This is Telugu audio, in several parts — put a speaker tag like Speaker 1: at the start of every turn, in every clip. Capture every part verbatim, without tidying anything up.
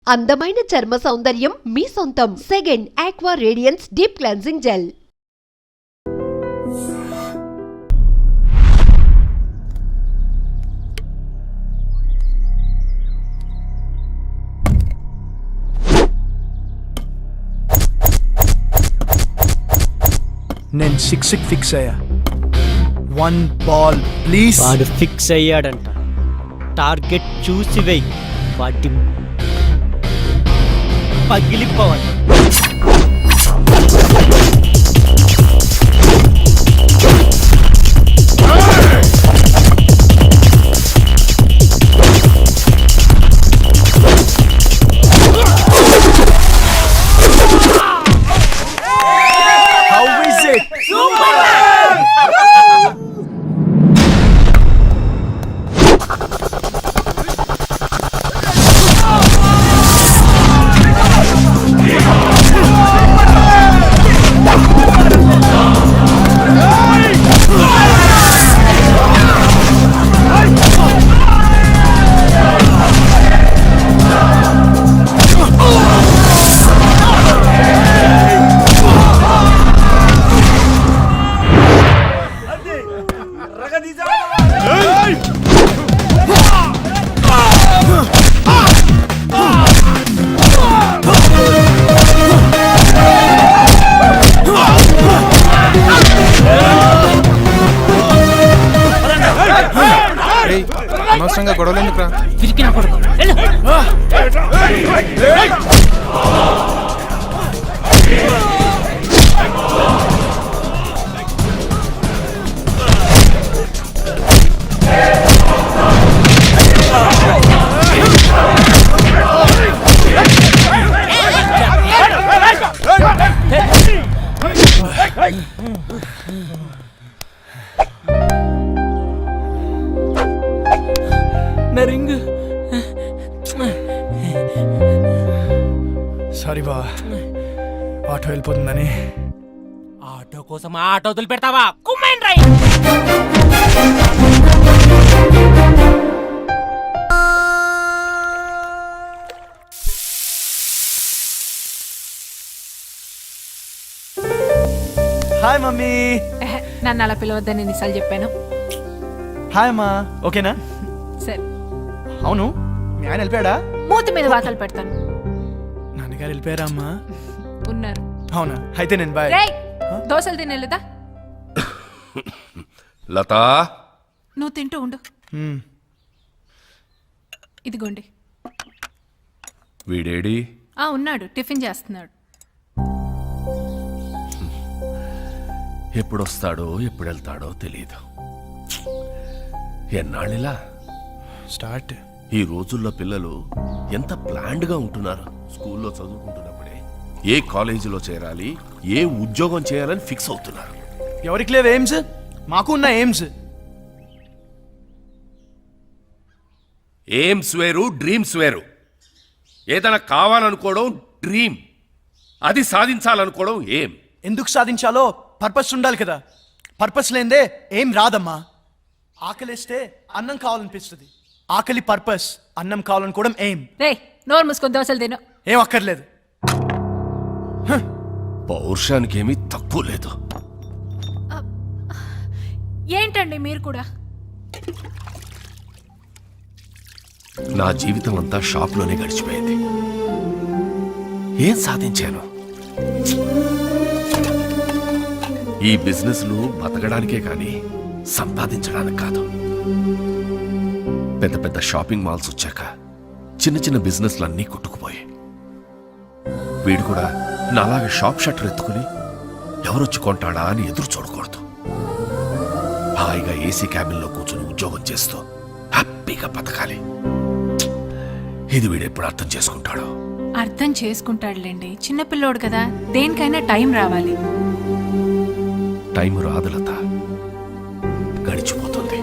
Speaker 1: అందమైన చర్మ సౌందర్యం మీ సొంతం. Second aqua radiance deep cleansing gel.
Speaker 2: నేను సిక్స్ ఫిక్స్ అయ్యా. One ball please.
Speaker 3: వాడు ఫిక్స్ అయ్యాడంట. టార్గెట్ చూసి వెయ్యి, వాటి పగిలిపోవాలి.
Speaker 2: How is it?
Speaker 4: అనవసరంగా గొడవలు ఎందుకురా? సారీ బా, ఆటో వెళ్ళిపోతుందని.
Speaker 5: ఆటో కోసం ఆటో వదిలి పెడతావా? కుమ్మైన్ రై.
Speaker 2: Hi mummy.
Speaker 6: నన్ను అలా పిలవద్దని ఎన్నిసార్లు చెప్పాను.
Speaker 2: హాయ్ అమ్మా. ఓకేనా?
Speaker 6: సరే.
Speaker 2: అవును, మీ ఆయన వెళ్ళిపోయాడా?
Speaker 6: మూతి మీద వాతలు పెడతాను.
Speaker 2: నాన్నగారు వెళ్ళిపోయారా అమ్మా?
Speaker 6: ఉన్నారు.
Speaker 2: అవునా? అయితే నేను బాయ్.
Speaker 6: రేయ్, దోశలు తినేదా?
Speaker 4: లతా,
Speaker 6: నువ్వు తింటూ ఉండు.
Speaker 2: మ్మ్.
Speaker 6: ఇదిగోండి.
Speaker 4: వీడేడి?
Speaker 6: ఆ ఉన్నాడు, టిఫిన్ చేస్తున్నాడు.
Speaker 4: ఎప్పుడొస్తాడో ఎప్పుడు వెళ్తాడో తెలియదు. ఎన్నాళ్ళిలా
Speaker 2: స్టార్ట్.
Speaker 4: ఈ రోజుల్లో పిల్లలు ఎంత ప్లాన్డ్ గా ఉంటున్నారు. స్కూల్లో చదువుకుంటున్నప్పుడే ఏ కాలేజీలో చేరాలి, ఏ ఉద్యోగం చేయాలని ఫిక్స్ అవుతున్నారు.
Speaker 2: ఎవరికి లేవు ఎయిమ్స్? మాకు ఉన్న ఎయిమ్స్.
Speaker 4: ఎయిమ్స్ వేరు, డ్రీమ్స్ వేరు. ఏదైనా కావాలనుకోవడం డ్రీమ్, అది సాధించాలనుకోవడం ఏం.
Speaker 2: ఎందుకు సాధించాలో పర్పస్ ఉండాలి కదా. పర్పస్ లేదే ఏం రాదమ్మా. ఆకలిస్తే అన్నం కావాలనిపిస్తుంది. ఆకలి పర్పస్, అన్నం కావాలనుకోవడం ఏం.
Speaker 6: రేయ్, నోరు మూసుకొని దోశలు తిను.
Speaker 2: ఏం అక్కర్లేదు.
Speaker 4: పౌరుషానికి ఏమీ తక్కువ లేదు.
Speaker 6: ఏంటండి మీరు కూడా?
Speaker 4: నా జీవితం అంతా షాప్లోనే గడిచిపోయింది. ఏం సాధించాను? ఈ బిజినెస్లు బతకడానికే కానీ సంపాదించడానికి కాదు. పెద్ద పెద్ద షాపింగ్ మాల్స్ వచ్చాక చిన్న చిన్న బిజినెస్లు అన్నీ కొట్టుకుపోయాయి. వీడు కూడా నాలాగా షాప్ షట్టర్ ఎత్తుకుని ఎవరొచ్చి కొంటాడా అని ఎదురు చూడకూడదు. హాయిగా ఏసీ క్యాబిన్లో కూర్చొని ఉద్యోగం చేస్తూ హ్యాపీగా బతకాలి. ఇది వీడు ఎప్పుడు అర్థం చేసుకుంటాడో.
Speaker 6: అర్థం చేసుకుంటాడులేండి, చిన్నపిల్లోడు కదా. దేనికైనా టైం రావాలి.
Speaker 4: టైం రాదు లత, గడిచిపోతుంది.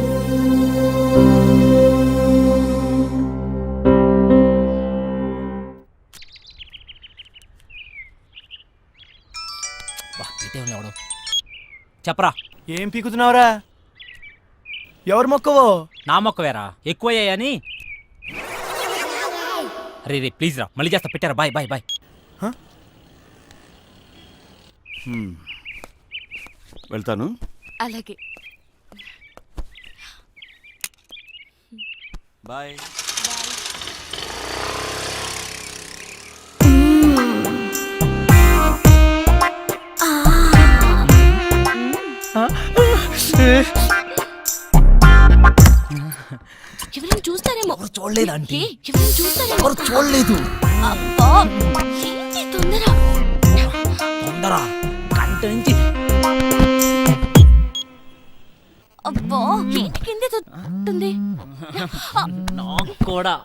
Speaker 5: చెప్పరా,
Speaker 2: ఏం పీకుతున్నావురా? ఎవరు మొక్కవో?
Speaker 5: నా మొక్క వేరా ఎక్కువయ్యాయని. రే రే ప్లీజ్ రా మళ్ళీ చేస్తా పెట్టారా బాయ్ బాయ్ బాయ్
Speaker 7: వెళ్తాను.
Speaker 8: అలాగే
Speaker 7: బాయ్.
Speaker 8: ఎవరైనా చూస్తారేమో.
Speaker 5: చూడలేదు ఆంటీ.
Speaker 8: ఏ, ఎవరైనా చూస్తారేమో.
Speaker 5: చూడలేదు.
Speaker 8: అబ్బా, ఏంటి తొందర?
Speaker 5: తొందర గంట నుంచి
Speaker 8: అబ్బా, ఏంటి కిందే తొంటుంది?
Speaker 5: నాకు కూడా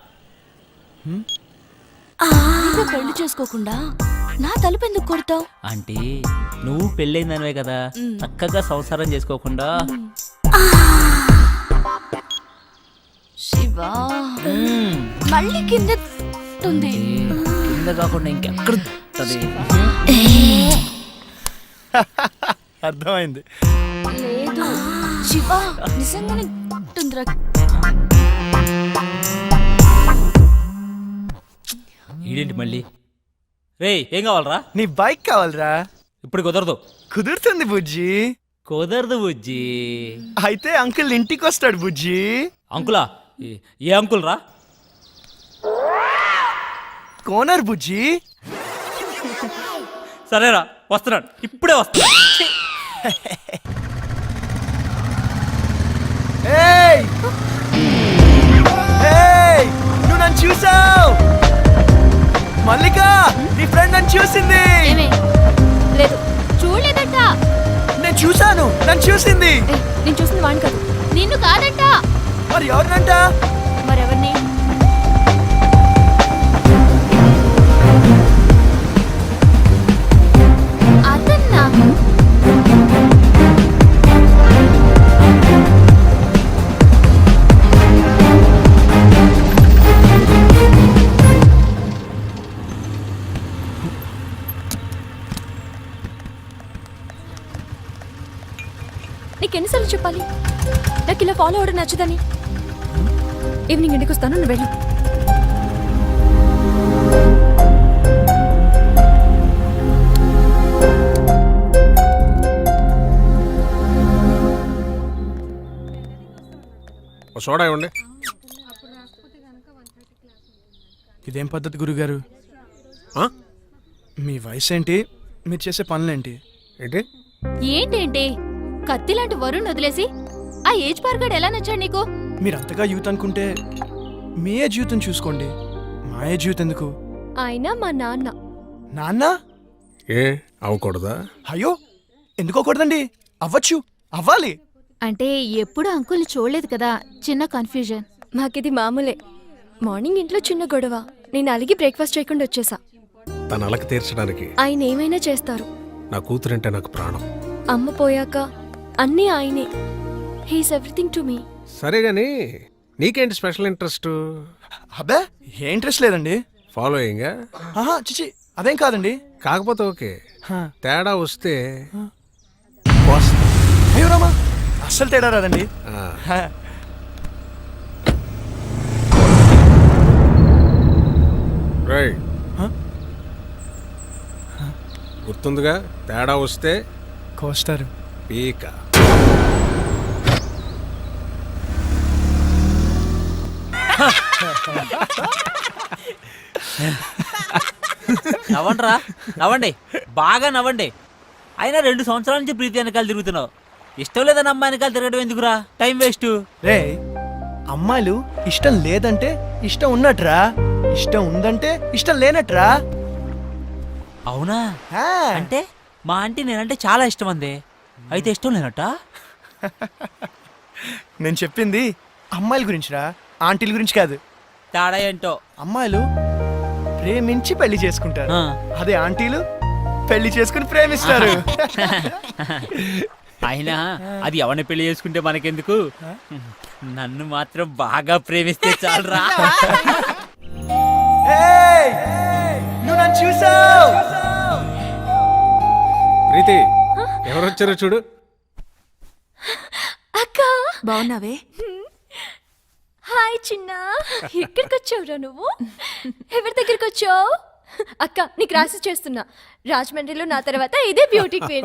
Speaker 8: నువ్వు పెళ్లి చేసుకోకుండా నా తలుపు ఎందుకు కొడతావు?
Speaker 5: ఆంటీ నువ్వు పెళ్ళైందనివే కదా చక్కగా సంసారం చేసుకోకుండా
Speaker 8: శివా, మళ్ళీ కింద తొంది.
Speaker 5: కింద కాకుండా ఇంకెక్కడ ఉంటది?
Speaker 2: అర్థమైంది.
Speaker 8: లేదు శివా, నిజంగానే తొందర.
Speaker 5: ఈడేంటి మళ్ళీ? రే ఏం కావాలరా?
Speaker 2: నీ బైక్ కావాలరా?
Speaker 5: ఇప్పుడు కుదరదు.
Speaker 2: కుదురుతుంది బుజ్జి.
Speaker 5: కుదరదు బుజ్జి.
Speaker 2: అయితే అంకుల్ ఇంటికి వస్తాడు బుజ్జి.
Speaker 5: అంకులా? ఏ- ఏ అంకుల్ రా?
Speaker 2: కోనర్ బుజ్జి.
Speaker 5: సరేరా వస్తున్నాడు, ఇప్పుడే వస్తున్నాడు.
Speaker 2: ఏయ్! ఏయ్! నువ్వు నన్ను చూసావు. మల్లిక, నీ ఫ్రెండ్ నన్ను చూసింది.
Speaker 8: లేదు చూడలేదంట.
Speaker 2: నేను చూసాను, నన్ను చూసింది.
Speaker 8: నేను చూసింది వాడిని కాదు, నిన్ను కాదంట.
Speaker 2: మరి ఎవరినంట?
Speaker 8: మరెవరిని? అదన్నా. నీకెన్నిసార్లు చెప్పాలి నాకు ఇలా ఫాలో అవడం నచ్చదని? ఈవినింగ్ ఇంటికి వస్తాను, నువ్వు వెళ్ళు.
Speaker 9: సోడా ఇవ్వండి.
Speaker 2: ఇదేం పద్ధతి గురుగారు?
Speaker 9: ఆ?
Speaker 2: మీ వయసు ఏంటి, మీరు చేసే పనులేంటి?
Speaker 9: ఏంటి
Speaker 8: ఏంటేంటి కత్తి లాంటి వరుణ్ వదిలేసి ఆ ఏజ్ పార్గాడు ఎలా నచ్చాడు నీకు?
Speaker 2: మీరు అంతగా యూత్ అనుకుంటే మీ ఏ జీవితం చూసుకోండి. మా ఏ జీవితం ఎందుకు?
Speaker 8: ఆయన మా నాన్న.
Speaker 2: నాన్న?
Speaker 9: ఏ అవ్వకూడదా?
Speaker 2: అయ్యో, ఎందుకోకూడదండి? అవ్వచ్చు, అవ్వాలి.
Speaker 8: అంటే ఎప్పుడు అంకుల్ని చూడలేదు కదా, చిన్న కన్ఫ్యూజన్. మాకిది మామూలే. మార్నింగ్ ఇంట్లో చిన్న గొడవ, నేను అలిగి బ్రేక్ఫాస్ట్ చేయకుండా వచ్చేసా.
Speaker 9: తన అలక తీర్చడానికి
Speaker 8: ఆయన ఏమైనా చేస్తారు.
Speaker 9: నా కూతురంటే నాకు ప్రాణం.
Speaker 8: అమ్మ పోయాక అన్నీ ఆయనే. He's everything to me.
Speaker 9: సరే గాని నీకేంటి స్పెషల్ ఇంట్రెస్ట్?
Speaker 2: అబ్బే, ఏ ఇంట్రెస్ట్ లేదండి.
Speaker 9: ఫాలోయింగ్?
Speaker 2: ఆహా, చిచి, అదేం కాదండి.
Speaker 9: కాకపోతే ఓకే,
Speaker 2: హా.
Speaker 9: తేడా వస్తే
Speaker 2: అయ్యో రామా, అస్సలు తేడా రాదండి.
Speaker 9: ఆ,
Speaker 2: హా.
Speaker 9: రైట్.
Speaker 2: హా?
Speaker 9: గుర్తుందిగా, తేడా వస్తే
Speaker 2: కోస్తారు.
Speaker 9: పీక.
Speaker 5: నవ్వండిరా, నవ్వండి, బాగా నవ్వండి. అయినా రెండు సంవత్సరాల నుంచి ప్రీతి వెనకాల తిరుగుతున్నావు. ఇష్టం లేదని అమ్మాయి వెనకాల తిరగడం ఎందుకురా? Time waste.
Speaker 2: రే, అమ్మాయిలు ఇష్టం లేదంటే ఇష్టం ఉన్నట్రా, ఇష్టం ఉందంటే ఇష్టం లేనట్రా.
Speaker 5: అవునా?
Speaker 2: హా.
Speaker 5: అంటే మా ఆంటీ నేనంటే చాలా ఇష్టం అంది, అయితే ఇష్టం లేనట్ట?
Speaker 2: నేను చెప్పింది అమ్మాయిల గురించిరా, ఆంటీల గురించి కాదు.
Speaker 5: తేడా ఏంటో.
Speaker 2: అమ్మాయిలు ప్రేమించి పెళ్లి చేసుకుంటారు,
Speaker 5: ఆ.
Speaker 2: అదే ఆంటీలు పెళ్లి చేసుకుని ప్రేమిస్తారు.
Speaker 5: అయినా అది ఎవరిని పెళ్లి చేసుకుంటే మనకెందుకు, నన్ను మాత్రం బాగా ప్రేమిస్తే చాలరా.
Speaker 2: ఏయ్! నువ్వు నన్ను చూసావు.
Speaker 9: ప్రీతి, ఎవరొచ్చారో చూడు.
Speaker 8: అక్క
Speaker 6: బాగున్నావే?
Speaker 8: హాయ్ చిన్న, ఎక్కడికి వచ్చావురా నువ్వు? ఎవరి దగ్గరికి వచ్చావు? అక్క, నీకు రాసి చేస్తున్నా. రాజమండ్రిలో నా తర్వాత ఇదే బ్యూటీ క్వీన్.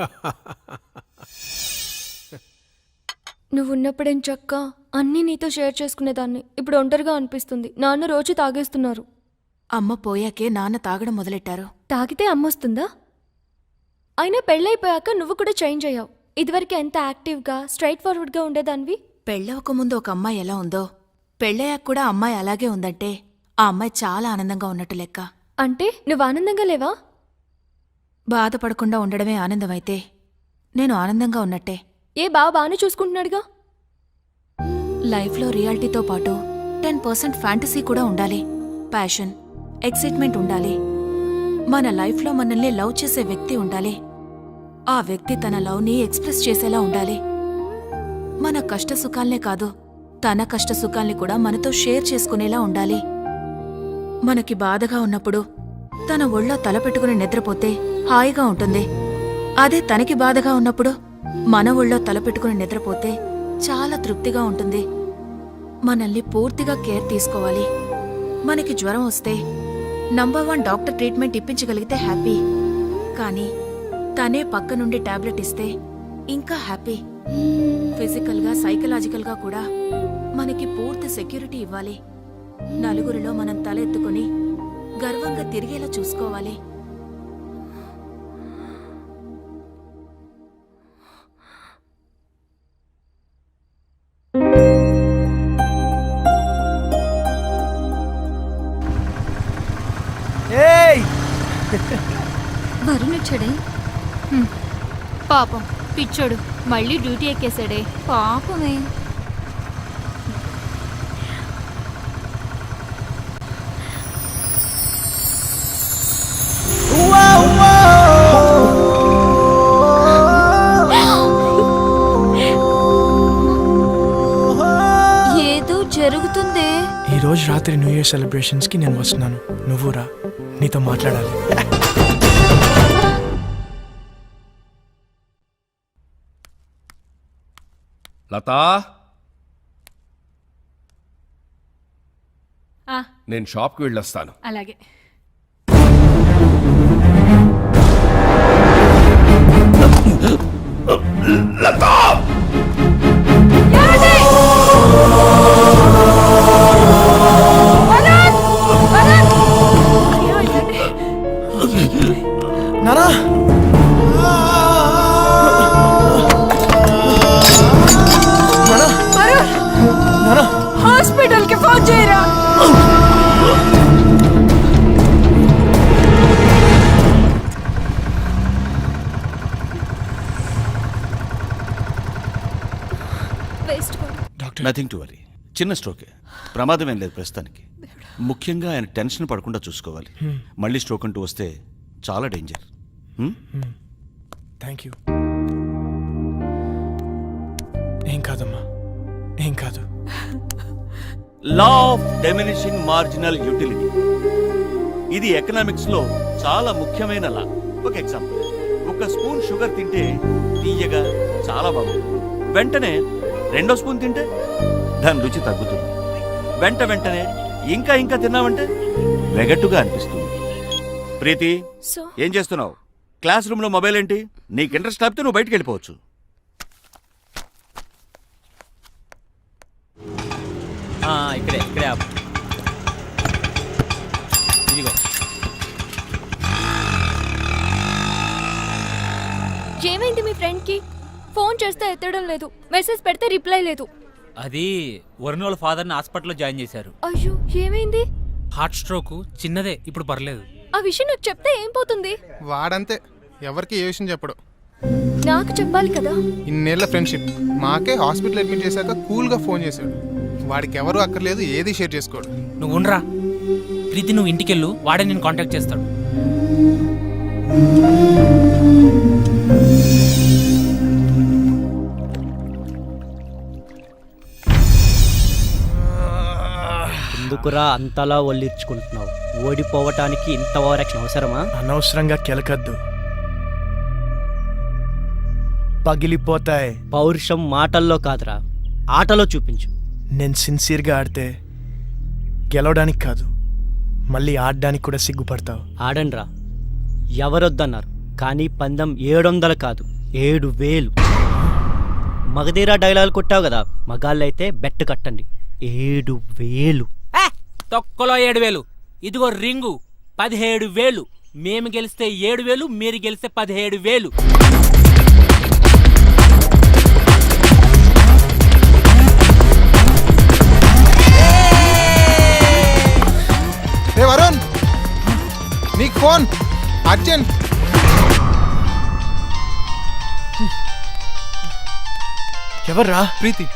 Speaker 8: నువ్వు ఉన్నప్పుడేం చక్క అన్నీ నీతో షేర్ చేసుకునేదాన్ని. ఇప్పుడు ఒంటరిగా అనిపిస్తుంది. నాన్న రోజు తాగేస్తున్నారు.
Speaker 6: అమ్మ పోయాకే నాన్న తాగడం మొదలెట్టారు.
Speaker 8: తాగితే అమ్మొస్తుందా? అయినా పెళ్ళైపోయాక నువ్వు కూడా చేంజ్ అయ్యావు. ఇదివరకు ఎంత యాక్టివ్గా స్ట్రైట్ ఫార్వర్డ్గా ఉండేదానివి.
Speaker 6: పెళ్ళవక ముందు ఒక అమ్మాయి ఎలా ఉందో పెళ్ళయ్యాక కూడా అమ్మాయి అలాగే ఉందంటే ఆ అమ్మాయి చాలా ఆనందంగా ఉన్నట్టు లెక్క.
Speaker 8: అంటే నువ్వు ఆనందంగా లేవా?
Speaker 6: బాధపడకుండా ఉండడమే ఆనందమైతే నేను ఆనందంగా ఉన్నట్టే.
Speaker 8: ఏ బావ బాగానే చూసుకుంటున్నాడుగా.
Speaker 6: లైఫ్లో రియాలిటీతో పాటు టెన్ పర్సెంట్ ఫ్యాంటసీ కూడా ఉండాలి. ప్యాషన్, ఎక్సైట్మెంట్ ఉండాలి. మన లైఫ్లో మనల్ని లవ్ చేసే వ్యక్తి ఉండాలి. ఆ వ్యక్తి తన లవ్ని ఎక్స్ప్రెస్ చేసేలా ఉండాలి. మన కష్ట సుఖాల్నే కాదు, తన కష్ట సుఖాల్ని కూడా మనతో షేర్ చేసుకునేలా ఉండాలి. మనకి బాధగా ఉన్నప్పుడు తన ఒళ్ళో తల పెట్టుకుని నిద్రపోతే హాయిగా ఉంటుంది. అదే తనకి బాధగా ఉన్నప్పుడు మన ఒళ్ళో తల పెట్టుకుని నిద్రపోతే చాలా తృప్తిగా ఉంటుంది. మనల్ని పూర్తిగా కేర్ తీసుకోవాలి. మనకి జ్వరం వస్తే నంబర్ వన్ డాక్టర్ ట్రీట్మెంట్ ఇప్పించగలిగితే హ్యాపీ. కానీ తనే పక్క నుండి టాబ్లెట్ ఇస్తే ఇంకా హ్యాపీ. ఫిజికల్గా సైకలాజికల్గా కూడా మనకి పూర్తి సెక్యూరిటీ ఇవ్వాలి. నలుగురిలో మనం తల ఎత్తుకుని గర్వంగా తిరిగేలా చూసుకోవాలి.
Speaker 2: ఏయ్
Speaker 8: వరుణ్ వచ్చాడే. పాపం పిచ్చోడు మళ్ళీ డ్యూటీ ఎక్కేశాడే. పాపమే. ఏదో జరుగుతుందే.
Speaker 2: ఈ రోజు రాత్రి న్యూ ఇయర్ సెలబ్రేషన్స్ కి నేను వస్తున్నాను. నువ్వు రా, నీతో మాట్లాడాలి.
Speaker 4: లతా, నేను షాప్కి వెళ్ళొస్తాను.
Speaker 6: అలాగే.
Speaker 4: లతా,
Speaker 2: నానా, నానా,
Speaker 6: హాస్పిటల్ కి ఫోన్ చేయరా.
Speaker 8: Waste.
Speaker 2: Doctor,
Speaker 7: nothing to worry, చిన్న స్ట్రోకే, ప్రమాదం ఏం లేదు ప్రస్తుతానికి. ముఖ్యంగా ఆయన టెన్షన్ పడకుండా చూసుకోవాలి. మళ్ళీ స్ట్రోక్ అంటూ వస్తే చాలా డేంజర్.
Speaker 2: Thank you. ఏం కాదమ్మా, ఏం కాదు.
Speaker 7: Law of diminishing marginal utility, ఇది ఎకనామిక్స్ లో చాలా ముఖ్యమైన లా. ఒక ఎగ్జాంపుల్, ఒక స్పూన్ షుగర్ తింటే తీయగా చాలా బాగుంటుంది. వెంటనే రెండో స్పూన్ తింటే దాని రుచి తగ్గుతుంది. వెంట వెంటనే ఇంకా ఇంకా తిన్నావంటే వెగట్టుగా అనిపిస్తుంది. ప్రీతి,
Speaker 8: సో
Speaker 7: ఏం చేస్తున్నావు? క్లాస్ రూమ్ లో మొబైల్ ఏంటి? నీకు ఇంట్రెస్ట్ లేకపోతే నువ్వు బయటికి వెళ్ళిపోవచ్చు.
Speaker 5: ఆ, ఇక్కడే ఇక్కడే ఆపు. ఇదిగో.
Speaker 8: ఏమైంది మీ ఫ్రెండ్ కి? ఫోన్ చేస్తే ఎత్తడం లేదు, మెసేజ్ పెడితే రిప్లై లేదు.
Speaker 5: అది వరుణ్ వాళ్ళ ఫాదర్ని హాస్పిటల్లో జాయిన్ చేశారు.
Speaker 8: అయ్యో, ఏమైంది?
Speaker 10: హార్ట్ స్ట్రోక్ చిన్నదే, ఇప్పుడు పర్లేదు.
Speaker 8: ఆ విషయం నాకు చెప్తే ఏం పోతుంది?
Speaker 9: వాడంతే, ఎవరికి ఏ విషయం చెప్పడు.
Speaker 8: నాకు చెప్పాలి కదా.
Speaker 9: ఇన్నేళ్ల ఫ్రెండ్షిప్, మాకే హాస్పిటల్ అడ్మిట్ చేశాక కూల్గా ఫోన్ చేశాడు. వాడికి ఎవరు అక్కర్లేదు, ఏది షేర్ చేసుకోడు.
Speaker 10: నువ్వు ఉండరా ప్రీతి, నువ్వు ఇంటికెళ్ళు, వాడే నేను కాంటాక్ట్ చేస్తాడు.
Speaker 3: ఎందుకురా అంతలా ఒళ్ళిర్చుకుంటున్నావు? ఓడిపోవటానికి ఇంత ఓవరాక్షన్ అవసరమా?
Speaker 2: అనవసరంగా కెలకద్దు, పగిలిపోతాయి.
Speaker 3: పౌరుషం మాటల్లో కాదురా, ఆటలో చూపించు.
Speaker 2: నేను సిన్సియర్గా ఆడితే గెలవడానికి కాదు మళ్ళీ ఆడడానికి కూడా సిగ్గుపడతావు.
Speaker 3: ఆడండ్రా, ఎవరొద్దన్నారు, కానీ పందెం ఏడు వందలు కాదు ఏడు వేలు. మగధీరా డైలాగ్ కొట్టావు కదా, మగాళ్ళైతే బెట్ కట్టండి ఏడు వేలు.
Speaker 10: ఏ, తొక్కలో ఏడు వేలు. ఇదిగో రింగు పదిహేడు వేలు. మేము గెలిస్తే ఏడు వేలు, మీరు గెలిస్తే పదిహేడు వేలు.
Speaker 9: ఏ వరుణ్, నీకు ఫోన్ అర్జెంట్.
Speaker 2: ఎవర్రా? ప్రీతి.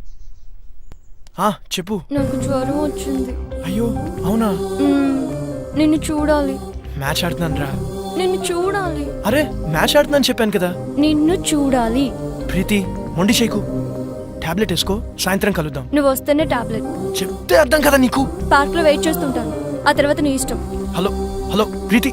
Speaker 2: ఆ, చెప్పు.
Speaker 8: నాకు జ్వరం వచ్చింది.
Speaker 2: అయ్యో అవునా?
Speaker 8: మ్మ్. నిన్ను చూడాలి.
Speaker 2: మ్యాచ్ ఆడుతున్నాను రా.
Speaker 8: నిన్ను చూడాలి.
Speaker 2: అరే మ్యాచ్ ఆడుతున్నాను చెప్పాను కదా.
Speaker 8: నిన్ను చూడాలి.
Speaker 2: ప్రీతి మొండి చేయకు, టాబ్లెట్ వేసుకో, సాయంత్రం కలుద్దాం.
Speaker 8: నువ్వు వస్తేనే టాబ్లెట్.
Speaker 2: చెప్తే అర్థం కదా నీకు.
Speaker 8: పార్క్ లో వెయిట్ చేస్తుంటాను, ఆ తర్వాత నీ ఇష్టం.
Speaker 2: Hello hello Preethi.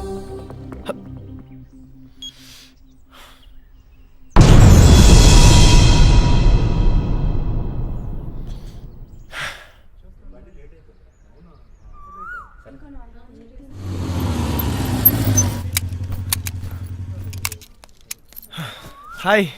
Speaker 2: హాయ్.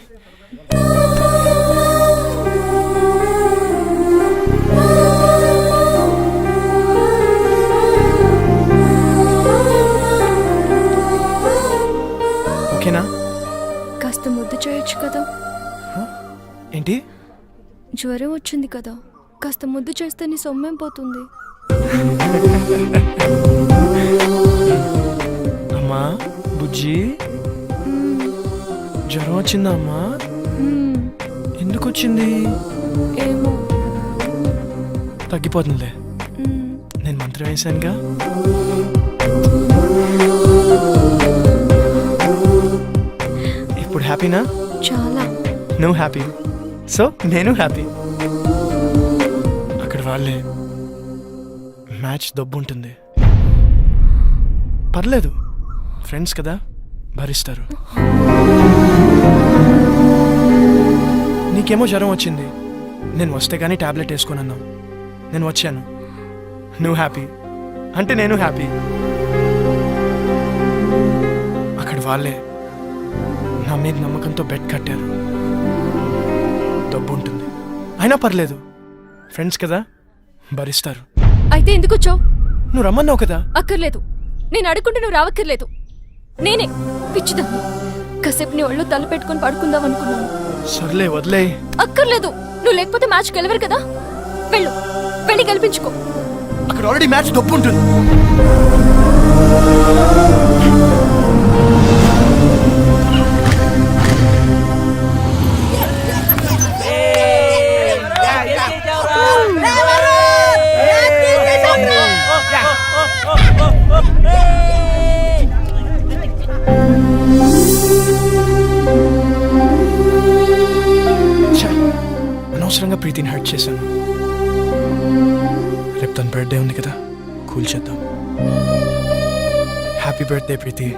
Speaker 2: ఓకేనా?
Speaker 8: కాస్త ముద్దు చేయొచ్చు కదా.
Speaker 2: ఏంటి?
Speaker 8: జ్వరం వచ్చింది కదా, కాస్త ముద్దు చేస్తే నీ సొమ్మేం పోతుంది.
Speaker 2: అమ్మా బుజ్జి, జ్వరం వచ్చిందా అమ్మా?
Speaker 8: మ్మ్.
Speaker 2: ఎందుకు వచ్చింది?
Speaker 8: ఏమో.
Speaker 2: తగ్గిపోతుందిలే,
Speaker 8: మ్మ్.
Speaker 2: నేను మంత్రం వేశానుగా. ఇప్పుడు హ్యాపీనా?
Speaker 8: చాలా.
Speaker 2: నువ్వు హ్యాపీ, సో నేను హ్యాపీ. అక్కడ వాళ్ళే మ్యాచ్ దబ్బు ఉంటుంది, పర్లేదు, ఫ్రెండ్స్ కదా, భరిస్తారు. నీకేమో జ్వరం వచ్చింది, నేను వస్తే కానీ టాబ్లెట్ వేసుకున్నాను, నేను వచ్చాను, నువ్వు హ్యాపీ అంటే నేను హ్యాపీ. అక్కడ వాళ్ళే నా మీద నమ్మకంతో బెట్ కట్టారు, డబ్బు ఉంటుంది, అయినా పర్లేదు, ఫ్రెండ్స్ కదా, భరిస్తారు.
Speaker 8: అయితే ఎందుకు వచ్చావు?
Speaker 2: నువ్వు రమ్మన్నావు కదా.
Speaker 8: అక్కర్లేదు, నేను అడుగుంటే నువ్వు రావక్కర్లేదు. నేనే పిచ్చిదాన్ని, కాసేపు నీ ఒళ్ళు తల పెట్టుకుని పడుకుందాం అనుకున్నాను.
Speaker 2: సర్లే వదిలే.
Speaker 8: అక్కర్లేదు, నువ్వు లేకపోతే మ్యాచ్ గెలవరు కదా. వెళ్ళు, వెళ్ళి గెలిపించుకో.
Speaker 2: అక్కడ ఆల్రెడీ మ్యాచ్ డబ్బు ఉంటుంది. అనవసరంగా ప్రీతిని హర్ట్ చేశాను. రేపు తన బర్త్డే ఉంది కదా, కూల్ చేద్దాం. Happy birthday Preethi.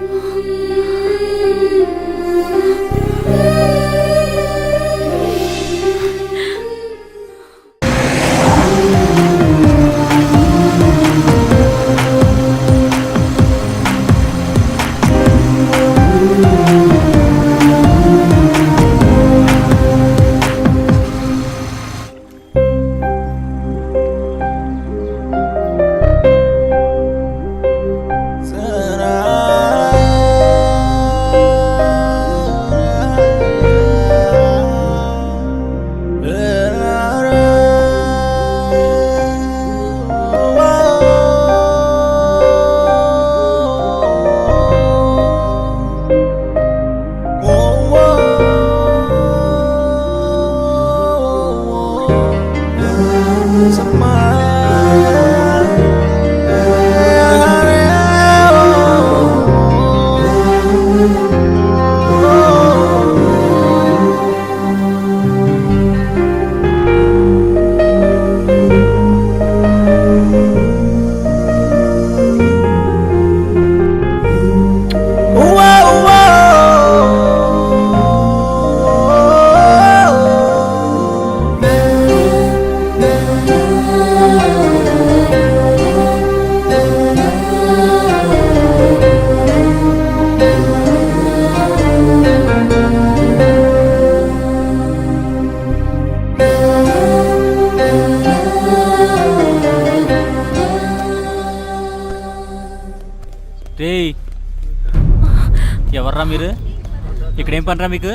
Speaker 5: రేయ్ ఎవర్రా మీరు? ఇక్కడేం పనిరా మీకు?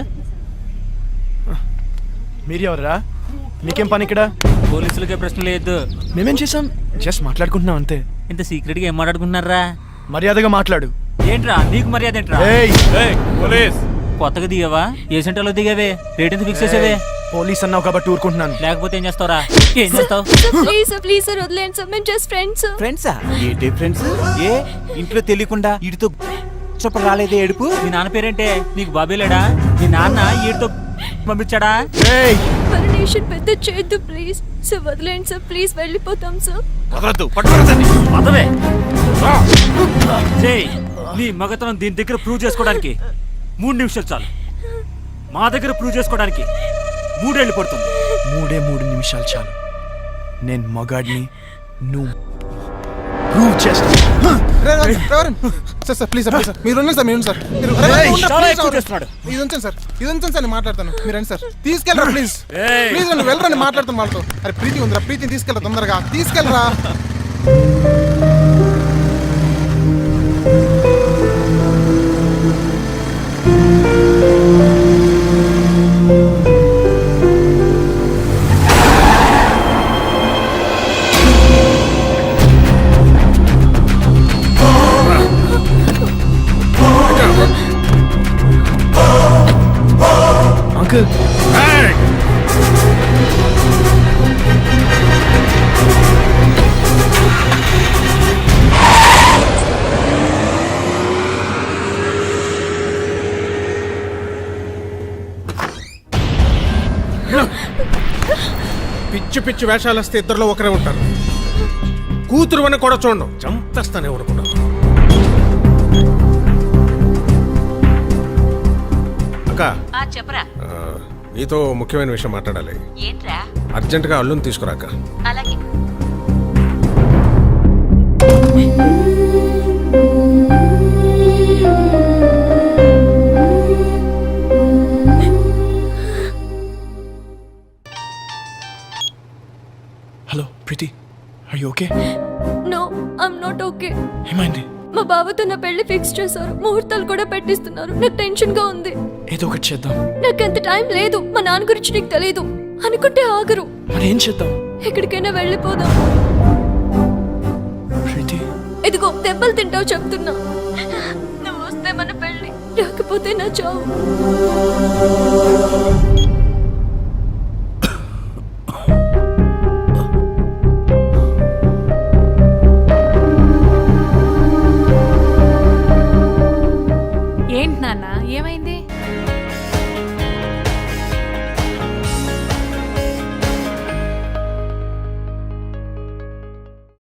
Speaker 2: మీరు ఎవరా? మీకేం పని ఇక్కడ?
Speaker 5: పోలీసులకే ప్రశ్న లేదు.
Speaker 2: మేమేం చేసాం? జస్ట్ మాట్లాడుకుంటున్నాం అంతే.
Speaker 5: ఇంత సీక్రెట్గా ఏం మాట్లాడుకుంటున్నారా?
Speaker 2: మర్యాదగా మాట్లాడు.
Speaker 5: ఏంట్రా నీకు మర్యాద ఏంట్రా?
Speaker 7: పోలీస్
Speaker 5: కొత్తగా దిగావా? ఏ సెంటర్లో దిగావే? రేట్ ఎంత ఫిక్స్ చేసేవే?
Speaker 2: పోలీస్ అన్నావు కాబట్టి ఊరుకుంటున్నాను.
Speaker 5: లేకపోతే ఏం చేస్తావురా? ఏం చేస్తావు?
Speaker 8: ప్లీజ్ ప్లీజ్ సార్ వదిలేండి సార్, మేము జస్ట్ ఫ్రెండ్స్.
Speaker 11: ఫ్రెండ్సా? ఏంటి ఫ్రెండ్స్? ఏ ఇంట్లో తెలియకుండా వీడితో చెప్ప రాలేదే ఏడుపు?
Speaker 5: మీ నాన్న పేరేంటే? నీకు బాబే లేడా? మీ నాన్న ఈడితో పంపించాడా?
Speaker 8: పర్మిషన్ పెద్ద చేయొద్దు ప్లీజ్ సార్, వదిలేండి సార్ ప్లీజ్, వెళ్ళిపోతాం సార్.
Speaker 7: వదలొద్దు, పట్టుకోరదండి.
Speaker 5: పదవే చేయి. నీ మగతనం దీని దగ్గర ప్రూవ్ చేసుకోవడానికి మూడు నిమిషాలు చాలు. మా దగ్గర ప్రూవ్ చేసుకోవడానికి మూడేళ్ళు పడుతుంది.
Speaker 2: మూడే మూడు నిమిషాలు చాలు. నేను మగాడిని, నువ్వు ప్రూవ్ చేస్తా.
Speaker 9: Sir sir please sir please sir మీరు ఉండండి సార్, మీరు ఉండండి సార్. మీరు
Speaker 2: ఏయ్,
Speaker 9: ఉండండి,
Speaker 5: చాలా
Speaker 9: please,
Speaker 5: ఎక్కువ
Speaker 9: సార్.
Speaker 5: చేస్తున్నాడు.
Speaker 9: ఇది ఉంచండి సార్, ఇది ఉంచండి సార్, నేను మాట్లాడతాను. మీరు రండి సార్, తీసుకెళ్ళరా ప్లీజ్ ప్లీజ్ రండి, వెళ్ళరండి, మాట్లాడతాను వాళ్ళతో. అరే ప్రీతి ఉందిరా, ప్రీతిని తీసుకెళ్ళరా తొందరగా, తీసుకెళ్ళరా.
Speaker 2: అంకుల్
Speaker 11: పిచ్చి పిచ్చి వేషాలు వస్తే ఇద్దరులో ఒకరే ఉంటారు. కూతురు అని కూడా చూడండి, చంపేస్తానే ఊరుకున్నాను. అక్క
Speaker 6: చెప్పరా.
Speaker 11: నీతో ముఖ్యమైన విషయం మాట్లాడాలి.
Speaker 6: ఏంట్రా?
Speaker 11: అర్జెంటుగా అల్లుని తీసుకురాక.
Speaker 6: అలాగే.
Speaker 2: Hello Preethi, are you okay?
Speaker 8: No I'm not okay.
Speaker 2: ఏమైంది?
Speaker 8: మా బావతో నా పెళ్లి ఫిక్స్ చేశారు, ముహూర్తాలు కూడా పెట్టిస్తున్నారు. నాకు టెన్షన్ గా ఉంది.
Speaker 2: ఏదో ఒకటి చేద్దాం.
Speaker 8: నాకు అంత టైం లేదు. మా నాన్న గురించి నీకు తెలియదు అనుకుంటే ఆగరు.
Speaker 2: మరి ఏం చేద్దాం?
Speaker 8: ఎక్కడికైనా వెళ్ళిపోదాం.
Speaker 2: ప్రీతి
Speaker 8: ఇదిగో దెబ్బలు తింటావు చెప్తున్నా. నువ్వు వస్తే మన పెళ్లి, రాకపోతే నా చావు.